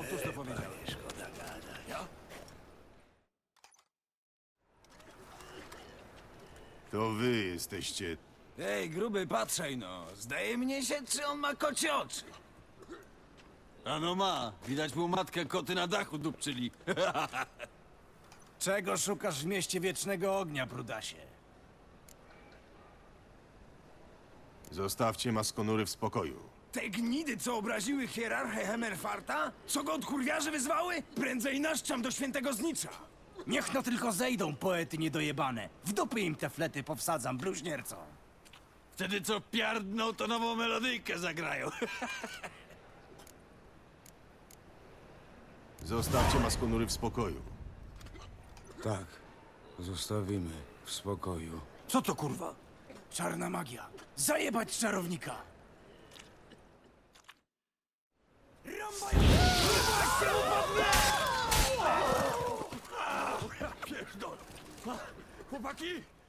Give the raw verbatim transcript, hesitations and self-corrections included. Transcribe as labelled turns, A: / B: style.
A: Powtórz, co powiedziałeś. Ja?
B: To wy jesteście...
A: Ej, gruby, patrzaj no. Zdaje mnie się, czy on ma kocie oczy.
C: Ano ma. Widać mu matkę koty na dachu dupczyli.
A: Czego szukasz w mieście Wiecznego Ognia, brudasie?
B: Zostawcie maskonury w spokoju.
A: Te gnidy, co obraziły hierarchę Hemerfarta? Co go od kurwiarzy wyzwały? Prędzej naszczam do świętego znicza.
D: Niech no tylko zejdą, poety niedojebane. W dupy im te flety powsadzam, bluźniercom.
C: Wtedy co piardną, to nową melodyjkę zagrają.
B: Zostawcie maskonury w spokoju.
E: Tak, zostawimy w spokoju.
D: Co to kurwa? Czarna magia. Zajebać czarownika.
A: Pierdol. Chłopaki,